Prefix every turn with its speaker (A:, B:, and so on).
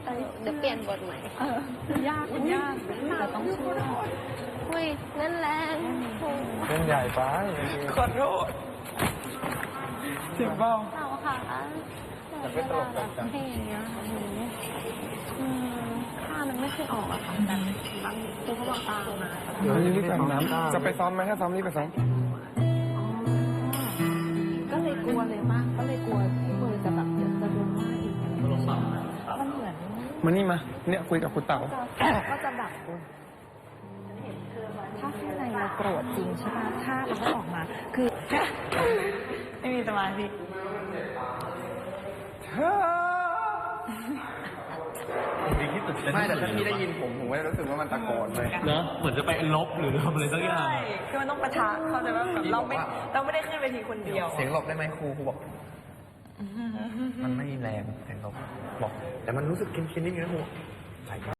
A: ตลกเดี๋ยวเปลี่ยนบทใหม่
B: ยากแต่ต้องช่วย
A: อุ้ยนั่นแรง
C: เล่นใหญ่ไปขอโทษเจ็บเปล่า
A: เราค่ะ
C: แต่ไม่ตลกจัง
A: เพลงอย่างเงี้ยค่ะหนูค่ามันไม่เคยออกอะค่ะแต่บางตัวเขาบอกตามมา
C: เดี๋ยวรีบไปน้ำจะไปซ้อมไหมถ้าซ้อมรีบไปซ้อม
B: ก็เลยกลัวเลยมากก็เลยกลัวที่มือจะแบบเดี๋ยวจะโดนว่าอีกมันเหมือน
C: มานี่มาเนี่ยคุยกับคุณเต๋า
B: ก็จะแบบถ้าข้างในเราโกรธจริงใช่ไหมถ้าเราก็ออกมาคือไม่มีสมาธิ
C: ไม่แต่ถ้าพี่ได้ยินผมก็จะรู้สึกว่ามันตะโกนเลย
D: เนอะเหมือนจะไปลบหรือทำอะไรสักอย่าง
B: ใช่คือมันต้องปะทะเขาใจว่าแบบเราไม่ได้ขึ้นเวทีคนเดียว
C: เสียงหลบได้ไหมครูบอก มันไม่แรงเสียงหลบบอก แต่มันรู้สึกเค็มๆนิดนึงนะครู